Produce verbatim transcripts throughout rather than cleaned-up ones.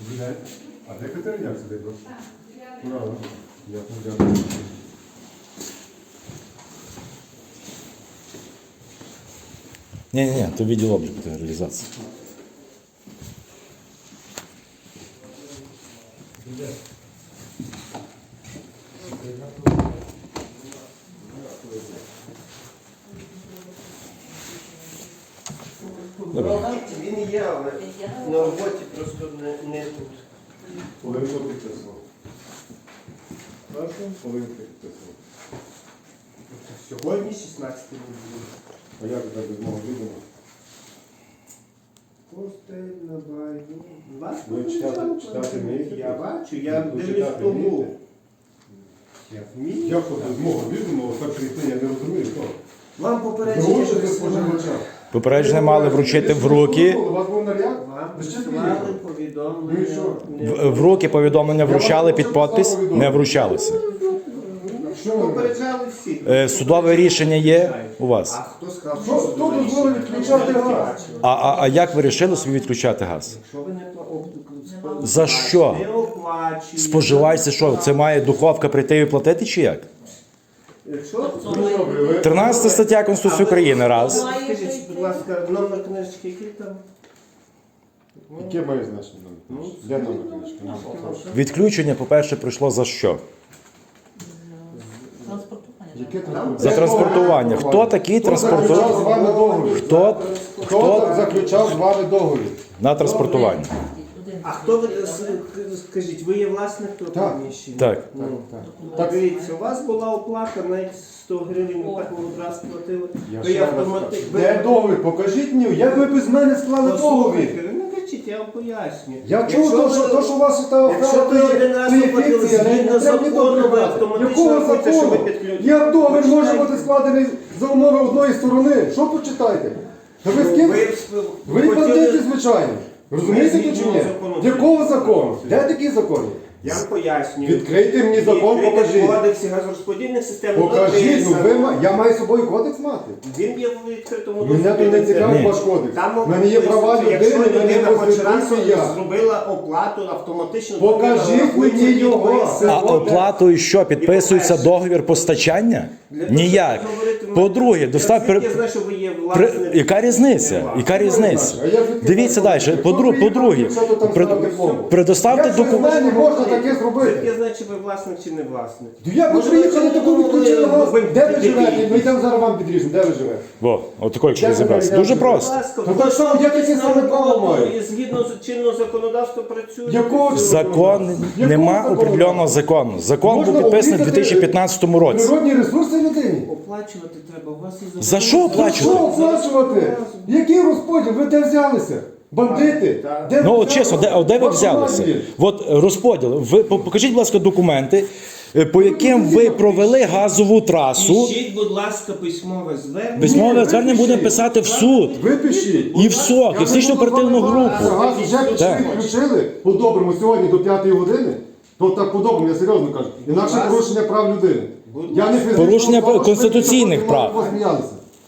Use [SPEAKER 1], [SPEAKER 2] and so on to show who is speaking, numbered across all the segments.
[SPEAKER 1] А де Катериняк сидить? Ура, дякую, дякую.
[SPEAKER 2] Ні-ні-ні, то відділ обліку та реалізації.
[SPEAKER 3] Він є, але на роботі просто не, не тут.
[SPEAKER 1] Полинко підписував. Першу полинко підписував.
[SPEAKER 3] Сьогодні шістнадцятий буде.
[SPEAKER 1] А як це без мого відома?
[SPEAKER 3] Постель на байду. Вас
[SPEAKER 1] Ви читати- читати вмієте?
[SPEAKER 3] Я бачу, я
[SPEAKER 1] Ви
[SPEAKER 3] дивлюсь
[SPEAKER 1] читати
[SPEAKER 3] тому.
[SPEAKER 1] вмієте?
[SPEAKER 3] Я вмію.
[SPEAKER 1] Як то без мого відома, так прийти, я не розумію, хто?
[SPEAKER 3] Вам попередження
[SPEAKER 1] Гроші за
[SPEAKER 3] присилали.
[SPEAKER 1] споживача.
[SPEAKER 2] Попередження мали вручити в руки.
[SPEAKER 1] У вас був наряд?
[SPEAKER 3] Вам
[SPEAKER 1] Ви ще
[SPEAKER 3] присилали
[SPEAKER 1] приїхали? Ну і
[SPEAKER 3] повідомлення.
[SPEAKER 1] що?
[SPEAKER 2] В, в руки повідомлення вручали під підпис, не вручалися.
[SPEAKER 1] Що ви?
[SPEAKER 3] Попереджали всі.
[SPEAKER 2] Е, Судове рішення є у вас.
[SPEAKER 3] А хто сказав,
[SPEAKER 1] Що, хто дозволив відключати газ?
[SPEAKER 2] А, а, а як ви вирішили собі відключати газ?
[SPEAKER 3] Якщо ви не платите,
[SPEAKER 2] За що?
[SPEAKER 3] не оплачуєте.
[SPEAKER 2] Споживач це що? Це має духовка прийти і платити чи як?
[SPEAKER 3] Якщо
[SPEAKER 1] Добре, ви-
[SPEAKER 2] тринадцята стаття Конституції України, раз.
[SPEAKER 3] Скажіть, будь ласка, номер книжки який там?
[SPEAKER 1] Яке має значення номер? Де номер книжки?
[SPEAKER 2] Відключення, по-перше, прийшло за що?
[SPEAKER 1] Яке
[SPEAKER 3] Там
[SPEAKER 1] там?
[SPEAKER 2] За транспортування. Хто такий
[SPEAKER 1] Хто заключав з
[SPEAKER 2] транспортує
[SPEAKER 1] вами договір?
[SPEAKER 2] Хто?
[SPEAKER 1] Хто
[SPEAKER 2] Хто
[SPEAKER 1] заключав з вами договір?
[SPEAKER 2] на транспортування?
[SPEAKER 3] А хто ви, с- скажіть, ви є власник того
[SPEAKER 1] Так.
[SPEAKER 3] приміщення?
[SPEAKER 2] Так.
[SPEAKER 3] Ну,
[SPEAKER 1] Так.
[SPEAKER 3] так, дивіться, у вас була оплата, навіть сто гривень, ви так одразу платили.
[SPEAKER 1] Я
[SPEAKER 3] Ви
[SPEAKER 1] ще раз
[SPEAKER 3] автомати-
[SPEAKER 1] кажу.
[SPEAKER 3] ви-
[SPEAKER 1] Де договір? Покажіть мені, як ви без мене склали договір?
[SPEAKER 3] Послухайте, не кричіть, я вам поясню.
[SPEAKER 1] Я чув,
[SPEAKER 3] Якщо
[SPEAKER 1] то,
[SPEAKER 3] ви-
[SPEAKER 1] що, то, що у вас та
[SPEAKER 3] Якщо
[SPEAKER 1] охрана,
[SPEAKER 3] ви
[SPEAKER 1] то
[SPEAKER 3] один
[SPEAKER 1] є-
[SPEAKER 3] раз
[SPEAKER 1] то є
[SPEAKER 3] оплатили
[SPEAKER 1] фікція, не
[SPEAKER 3] згідно
[SPEAKER 1] треба мені
[SPEAKER 3] закону, ви
[SPEAKER 1] добре.
[SPEAKER 3] автоматично
[SPEAKER 1] Якого
[SPEAKER 3] рахуєте, що ви
[SPEAKER 1] закону?
[SPEAKER 3] підключені.
[SPEAKER 1] Як договір може
[SPEAKER 3] Почитайте.
[SPEAKER 1] бути складений за умови одної сторони? Що почитайте? Та ви з ким?
[SPEAKER 3] Ви,
[SPEAKER 1] Ви
[SPEAKER 3] хотіли-
[SPEAKER 1] бандити, звичайно. Розумієте
[SPEAKER 3] Ми
[SPEAKER 1] чи ні?
[SPEAKER 3] згідно закону.
[SPEAKER 1] Якого закону? Де такі закони?
[SPEAKER 3] Я вам пояснюю.
[SPEAKER 1] Відкрийте мені закон,
[SPEAKER 3] Відкрийте
[SPEAKER 1] покажіть.
[SPEAKER 3] в кодексі газорозподільних систем.
[SPEAKER 1] Покажіть, ну ви,
[SPEAKER 3] написано.
[SPEAKER 1] ма- я маю з собою кодекс мати.
[SPEAKER 3] Він є в відкритому
[SPEAKER 1] Мене то не цікавить
[SPEAKER 2] Ні.
[SPEAKER 1] ваш кодекс.
[SPEAKER 3] Там
[SPEAKER 1] У мене є права
[SPEAKER 3] написано,
[SPEAKER 1] людини,
[SPEAKER 3] якщо
[SPEAKER 1] в мене є
[SPEAKER 3] людина хоч раз
[SPEAKER 1] конституція.
[SPEAKER 3] зробила оплату автоматично.
[SPEAKER 1] Покажіть
[SPEAKER 3] людина рахується
[SPEAKER 1] мені
[SPEAKER 3] від
[SPEAKER 1] його.
[SPEAKER 3] твоєї
[SPEAKER 1] А
[SPEAKER 3] сили.
[SPEAKER 2] А оплатою що? Підписується договір постачання? Ніяк. По-друге, достав...
[SPEAKER 3] Я
[SPEAKER 2] при-
[SPEAKER 3] знаю, що ви є
[SPEAKER 2] При...
[SPEAKER 3] власник.
[SPEAKER 2] Яка різниця? Яка різниця?
[SPEAKER 1] А я звідки
[SPEAKER 2] Дивіться
[SPEAKER 1] знаю?
[SPEAKER 2] далі.
[SPEAKER 1] Якщо
[SPEAKER 2] По-друге,
[SPEAKER 1] приїхав,
[SPEAKER 2] по-друге,
[SPEAKER 1] що то там
[SPEAKER 2] при-
[SPEAKER 1] ставити пломбу?
[SPEAKER 2] предоставте
[SPEAKER 1] Як без
[SPEAKER 2] документ.
[SPEAKER 1] мене можна таке
[SPEAKER 3] Я
[SPEAKER 1] зробити?
[SPEAKER 3] знаю, чи ви власник, чи не власник.
[SPEAKER 1] Як ви
[SPEAKER 3] Може,
[SPEAKER 1] приїхали,
[SPEAKER 3] ви
[SPEAKER 1] таку
[SPEAKER 3] думали,
[SPEAKER 1] відключили газ?
[SPEAKER 3] ви
[SPEAKER 1] Де ви
[SPEAKER 3] дебілі?
[SPEAKER 1] живете? Ми йдемо зараз вам підріжемо. Де ви живете?
[SPEAKER 2] Во, отако, якщо
[SPEAKER 1] Як
[SPEAKER 2] розібратися.
[SPEAKER 1] ви
[SPEAKER 2] Дуже
[SPEAKER 1] варіанти?
[SPEAKER 2] просто.
[SPEAKER 3] Будь ласка,
[SPEAKER 1] То так само, я таке саме право маю.
[SPEAKER 3] І згідно з чинного законодавства працює.
[SPEAKER 1] Якого
[SPEAKER 2] Закон,
[SPEAKER 1] Якого
[SPEAKER 2] нема
[SPEAKER 1] закону?
[SPEAKER 2] определеного закону. Закон
[SPEAKER 1] Можна
[SPEAKER 2] був підписаний у
[SPEAKER 1] обрізати
[SPEAKER 2] дві тисячі п'ятнадцятому році.
[SPEAKER 1] Природні ресурси людині?
[SPEAKER 3] Оплачувати треба. У вас є
[SPEAKER 2] За що
[SPEAKER 3] закон.
[SPEAKER 1] За що
[SPEAKER 2] оплачувати?
[SPEAKER 1] оплачувати? Який розподіл? Ви де взялися? Бандити?
[SPEAKER 3] Так.
[SPEAKER 1] Де ви
[SPEAKER 2] Ну от
[SPEAKER 1] взялися?
[SPEAKER 2] чесно, де, а де ви
[SPEAKER 1] Вашу
[SPEAKER 2] взялися?
[SPEAKER 1] армію.
[SPEAKER 2] От е, розподіл. Ви по- покажіть, будь ласка, документи, е, по яким ви провели газову трасу.
[SPEAKER 3] Пишіть, будь ласка, письмове звернення.
[SPEAKER 2] Письмове
[SPEAKER 1] ви
[SPEAKER 2] звернення будемо
[SPEAKER 1] пишіть.
[SPEAKER 2] писати в суд.
[SPEAKER 1] Ви пишіть.
[SPEAKER 2] І в СОК, і в слідчо оперативну групу.
[SPEAKER 1] Газ вже
[SPEAKER 2] Так.
[SPEAKER 1] відключили по-доброму сьогодні до п'ятої години. То так по-доброму, я серйозно кажу. Інакше
[SPEAKER 3] Будь
[SPEAKER 1] порушення прав людини.
[SPEAKER 3] Будь
[SPEAKER 1] Я не фізична
[SPEAKER 2] Порушення
[SPEAKER 1] особа, що
[SPEAKER 2] конституційних
[SPEAKER 1] ви
[SPEAKER 2] прав.
[SPEAKER 1] посміялися.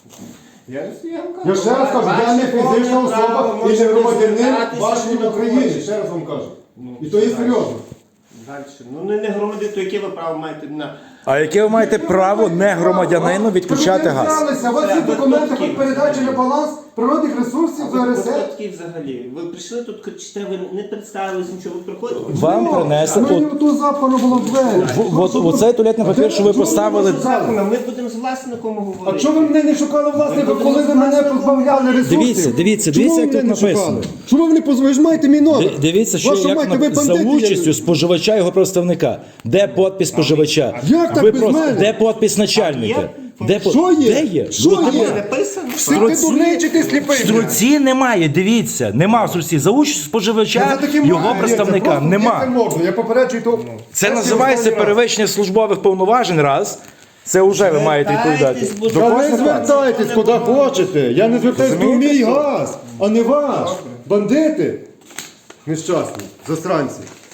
[SPEAKER 3] Я, я, вам
[SPEAKER 1] Я ще раз кажу, я не фізична особа і не громадянин вашої України. Ще раз вам кажу. І то є серйозно.
[SPEAKER 3] Далі. Ну не, не громадяни, то яке ви право маєте на...
[SPEAKER 2] А яке ви маєте право не громадянину відключати газ?
[SPEAKER 1] взялися, у вас є
[SPEAKER 3] Це
[SPEAKER 1] документи
[SPEAKER 3] випадки.
[SPEAKER 1] про передачу на баланс природних ресурсів
[SPEAKER 3] Ви
[SPEAKER 1] ЗРС.
[SPEAKER 3] випадки взагалі. Ви прийшли тут, кричите, ви не представились нічого, ви приходите.
[SPEAKER 2] Вам принесли
[SPEAKER 1] Мені
[SPEAKER 2] от,
[SPEAKER 1] ту запану було в двері.
[SPEAKER 2] в- от, оцей туалетний папір, що ви поставили.
[SPEAKER 3] Законно, ми будемо з власником
[SPEAKER 1] А
[SPEAKER 3] говорити.
[SPEAKER 1] чого ви мене не шукали власника, коли ви мене позбавляли ресурсів?
[SPEAKER 2] Дивіться, дивіться,
[SPEAKER 1] Чому
[SPEAKER 2] дивіться,
[SPEAKER 1] ви
[SPEAKER 2] як тут
[SPEAKER 1] мене не
[SPEAKER 2] написано.
[SPEAKER 1] шукали? Чому ви не позвонили? Ви ж маєте мій номер.
[SPEAKER 2] Ди- Дивіться, що
[SPEAKER 1] Вашу
[SPEAKER 2] як
[SPEAKER 1] мать,
[SPEAKER 2] на-
[SPEAKER 1] ви
[SPEAKER 2] за
[SPEAKER 1] бандити,
[SPEAKER 2] участю споживача і його представника. Де подпис споживача?
[SPEAKER 1] Як так
[SPEAKER 2] Ви
[SPEAKER 1] без
[SPEAKER 2] просто-
[SPEAKER 1] мене?
[SPEAKER 2] Де подпис начальника?
[SPEAKER 3] Є?
[SPEAKER 2] Де по-
[SPEAKER 1] Що є?
[SPEAKER 2] Де є?
[SPEAKER 1] Що
[SPEAKER 2] Ну,
[SPEAKER 1] є?
[SPEAKER 2] нема.
[SPEAKER 3] Написано.
[SPEAKER 1] Ти ти дурний чи ти сліпий?
[SPEAKER 2] В струці немає, дивіться, нема в струці. За участю споживача, його представника
[SPEAKER 1] Це
[SPEAKER 2] нема.
[SPEAKER 1] можна, я попереджую то.
[SPEAKER 2] Це називається перевищення службових повноважень, раз. Це вже ви маєте відповідати.
[SPEAKER 3] Звертайтесь, будь
[SPEAKER 2] До
[SPEAKER 1] Та
[SPEAKER 3] ласка.
[SPEAKER 1] не
[SPEAKER 2] кожного разу.
[SPEAKER 1] звертайтесь куди хочете. Я не звертаюсь до
[SPEAKER 2] Розумієте,
[SPEAKER 1] мій
[SPEAKER 2] що?
[SPEAKER 1] газ, а не ваш. Бандити. Нещасні, засранці.